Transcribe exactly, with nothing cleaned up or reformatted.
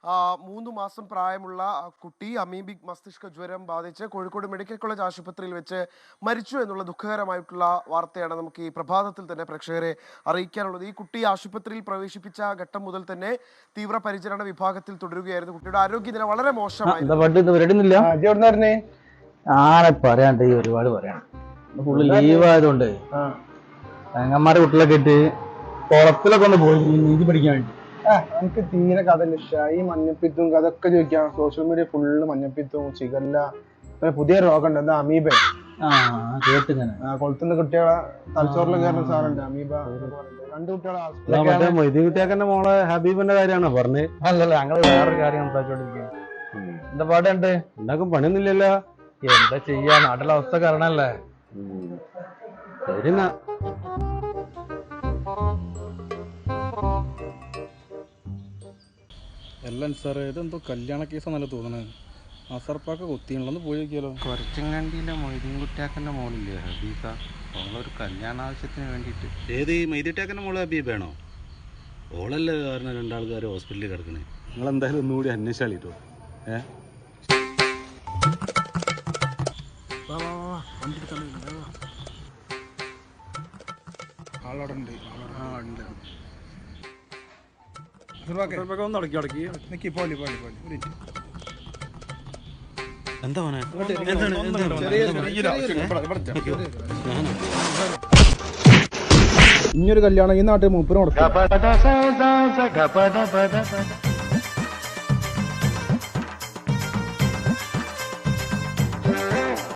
മൂന്ന് മാസം പ്രായമുള്ള കുട്ടി അമീബിക് മസ്തിഷ്ക ജ്വരം ബാധിച്ച് കോഴിക്കോട് മെഡിക്കൽ കോളേജ് ആശുപത്രിയിൽ വെച്ച് മരിച്ചു എന്നുള്ള ദുഃഖകരമായിട്ടുള്ള വാർത്തയാണ് നമുക്ക് ഈ പ്രഭാതത്തിൽ തന്നെ പ്രേക്ഷകരെ അറിയിക്കാനുള്ളത്. ഈ കുട്ടി ആശുപത്രിയിൽ പ്രവേശിപ്പിച്ച ഘട്ടം മുതൽ തന്നെ തീവ്രപരിചരണ വിഭാഗത്തിൽ തുടരുകയായിരുന്നു. കുട്ടിയുടെ ആരോഗ്യനില വളരെ മോശമായിരുന്നു. ആരെ പറയാണ്ട് ഈ ഒരുപാട് പറയാം. ഫുള്ള് ലീവ് ആയതുകൊണ്ട് തങ്ങന്മാരെ കുട്ടികളൊക്കെ ഇട്ട് കുളത്തിലൊക്കെ ഒന്ന് പോയി നീതി പഠിക്കാൻ വേണ്ടി. എനിക്ക് തീരെ കഥ ഇഷ്ട. ഈ മഞ്ഞപ്പിത്തും അതൊക്കെ ചോദിക്കാം. സോഷ്യൽ മീഡിയ ഫുള്ള് മഞ്ഞപ്പിത്തും ചികല്ല പുതിയ രോഗം ഉണ്ട്, എന്താ അമീബ. ആ കേട്ടിങ്ങനെ കൊളത്തുന്ന കുട്ടികളെ തലച്ചോറിൽ കയറുന്ന സാധനമുണ്ട് അമീബ. രണ്ട് കുട്ടികളെ മൊയ്തീൻ കുട്ടിയാക്കന്റെ മോളെ ഹബീബിന്റെ കാര്യമാണോ പറഞ്ഞത്? അല്ലല്ല, ഞങ്ങള് വേറൊരു കാര്യം സംസാരിച്ചോണ്ടിരിക്കുക. എന്താ പാടുണ്ട്? ഉണ്ടാക്കും പണിയൊന്നുമില്ലല്ലോ. എന്താ ചെയ്യാ, നാട്ടിലെ അവസ്ഥ കാരണല്ലേ. ശരി. എല്ലാം സാറേ, ഇതെന്തോ കല്യാണ കേസാന്നല്ല തോന്നണേ. അസർപ്പാക്ക കൊത്തിയുള്ളൊന്ന് പോയി നോക്കിയാലോ. കുറച്ചങ്ങാണ്ടിയിലെ മൊയ്തീൻ കുട്ടിയാക്കൻ്റെ മോളില്ലേ ഹബീബ, അവളൊരു കല്യാണ ആവശ്യത്തിന് വേണ്ടിയിട്ട്. ഏത് ഈ മൈദിട്ടാക്കൻ്റെ മോള് ഹബീബാണോ? ഓളല്ലേ കാരണം രണ്ടാൾക്കാർ ഹോസ്പിറ്റലിൽ കിടക്കണേ. നിങ്ങളെന്തായാലും ഒന്നുകൂടി അന്വേഷിച്ചാളിട്ടോ. ഏ ആളവിടെ ഉണ്ട്. ആ ഉണ്ട്. ഒന്ന് അടക്കി അടക്കി നിക്കി പോലെ പോലെ പോലെ ഒരു എന്താ മോനെ? ഇനിയൊരു കല്യാണം ഈ നാട്ടിൽ മൂപ്പര് നടക്കും.